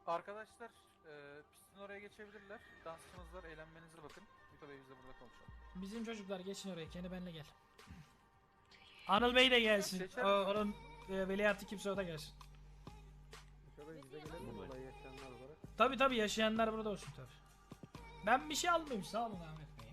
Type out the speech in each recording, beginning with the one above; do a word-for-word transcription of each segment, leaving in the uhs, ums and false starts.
Arkadaşlar e, pistin oraya geçebilirler. Dansçınız var, eğlenmenize bakın. Vito Bey biz de burada konuşalım. Bizim çocuklar geçin oraya, kendi benimle gel. Anıl Bey de gelsin. Geçer O, misin? onun e, veliahtı kimse o da gelsin. Tabi tabi yaşayanlar burada olsun tabi. Ben bir şey almayayım, sağ olun Ahmet Bey.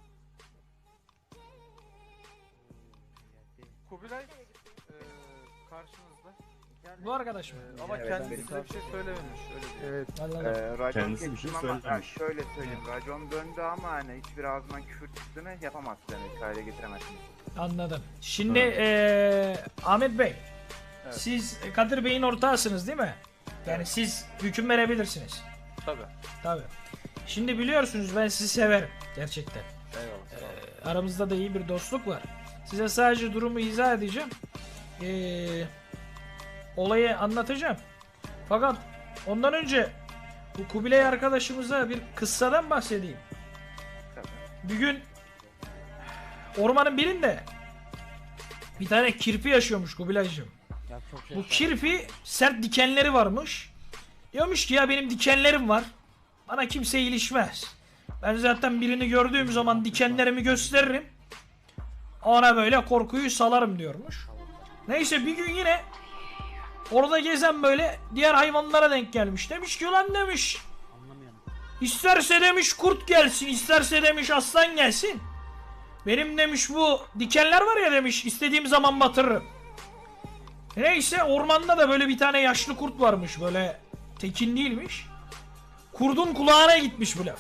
Kubilay e, karşınızda. Bu arkadaş mı? E, ama Evet, kendisi benim size bir şey söylememiş. Öyle diyor. Evet. Allah Allah. Ee, racon Kendisi bir şey kestim ama söylememiş. ha, şöyle söyleyeyim. Racon döndü ama hani hiçbir ağzından küfür çıktığını yapamazsın. Yani kayda getiremezsin. Anladım. Şimdi eee Ahmet Bey, Evet. siz Kadir Bey'in ortağısınız değil mi? Yani siz hüküm verebilirsiniz. Tabii. Tabi. Şimdi biliyorsunuz ben sizi severim gerçekten. Eyvallah. Sağ olun. Ee, aramızda da iyi bir dostluk var. Size sadece durumu izah edeceğim. Ee, olayı anlatacağım. Fakat ondan önce bu Kubilay arkadaşımıza bir kıssadan bahsedeyim. Tabii. Bir gün ormanın birinde bir tane kirpi yaşıyormuş Kubilaycığım. Bu kirpi sert dikenleri varmış. Diyormuş ki ya benim dikenlerim var. Bana kimse ilişmez. Ben zaten birini gördüğüm zaman dikenlerimi gösteririm. Ona böyle korkuyu salarım diyormuş. Neyse bir gün yine orada gezen böyle diğer hayvanlara denk gelmiş. Demiş ki ulan demiş. İsterse demiş kurt gelsin, isterse demiş aslan gelsin. Benim demiş bu dikenler var ya demiş istediğim zaman batırırım. Neyse ormanda da böyle bir tane yaşlı kurt varmış, böyle tekin değilmiş. Kurdun kulağına gitmiş bu laf.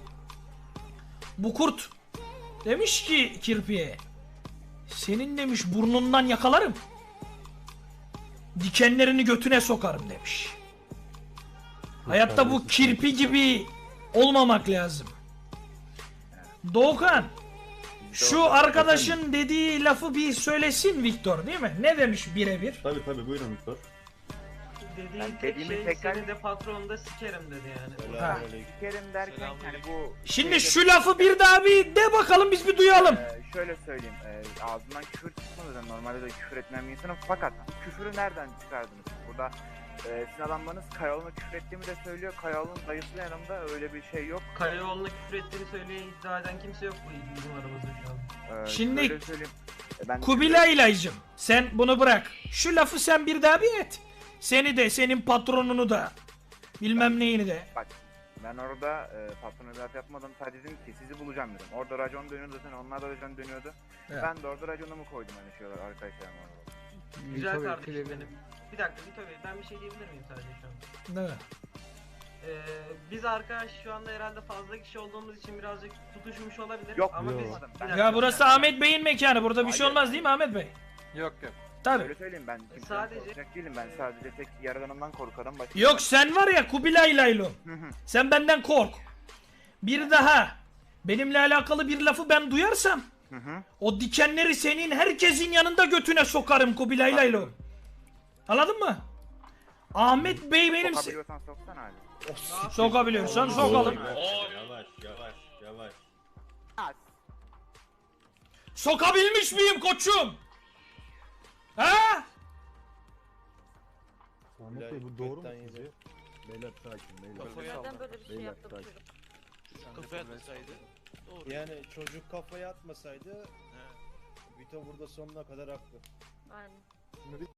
Bu kurt demiş ki kirpiye, senin demiş burnundan yakalarım, dikenlerini götüne sokarım demiş. Hayatta bu kirpi gibi olmamak lazım. Doğukan, şu arkadaşın dediği lafı bir söylesin Viktor, değil mi? Ne demiş birebir? Tabii tabii buyurun Viktor. Dediği Ben tek dediğimi şey tekrar- seni de patronunu da sikerim dedi yani. Ha. Sikerim derken hani bu... Şimdi şu lafı bir daha bir de bakalım, biz bir duyalım. Ee, şöyle söyleyeyim. E, ağzından küfür çıkmadı. Normalde de küfür etmeyen bir insanım. Fakat küfürü nereden çıkardınız? Burada e, sizin adamlarınız Kayaoğlu'na küfür ettiğimi de söylüyor. Kayaoğlu'nun dayısı yanımda, öyle bir şey yok. Karayoluna küfür ettiğini söyleye iddia eden kimse yok bu bizim aramızda şu an. Ee, Şimdi- şöyle söyleyeyim. E, ben Kubilay'laycım, sen bunu bırak. Şu lafı sen bir daha bir et. Seni de, senin patronunu da, bilmem neyini de. Ben orada e, patron ödert yapmadım. Sadece dedim ki sizi bulacağım dedim. Orada racon dönüyordu zaten, onlar da racon dönüyordu. Evet. Ben de orada raconumu koydum hani şey olarak arkadaşlarım orada. Güzel kardeşim benim. Bir dakika Vito Bey, ben bir şey diyebilir miyim sadece şu an? Değil mi? Ee, biz arkadaş şu anda herhalde fazla kişi olduğumuz için birazcık tutuşmuş olabilir. Yok, ama yok. biz... Ben- Bir dakika, Ya bir burası dakika. Ahmet Bey'in mekanı. Burada bir şey Hayır. olmaz değil mi Ahmet Bey? Yok yok. Tabii. Öyle söyleyeyim, ben kimseden sadece- korkacak değilim. Ben sadece tek yaradanımdan korkarım. Başka Yok, sen var ya Kubilay'laylo. Hı hı. Sen benden kork. Bir daha benimle alakalı bir lafı ben duyarsam Hı hı. o dikenleri senin herkesin yanında götüne sokarım Kubilay'laylo. Anladın mı? Ahmet Bey benim... se- Sokabiliyorsan soksana abi. Sokabiliyorsan sokalım. Yavaş yavaş yavaş. Sokabilmiş miyim koçum? Ha? Ahmet Bey bu doğru mu sizce? Beyler sakin beyler. Neden böyle bir şey Beyler, yaptı bu sakin. çocuk? Kafaya atmasaydı. Doğru. Yani çocuk kafaya atmasaydı Vito burada sonuna kadar haklı. Aynen. Şimdi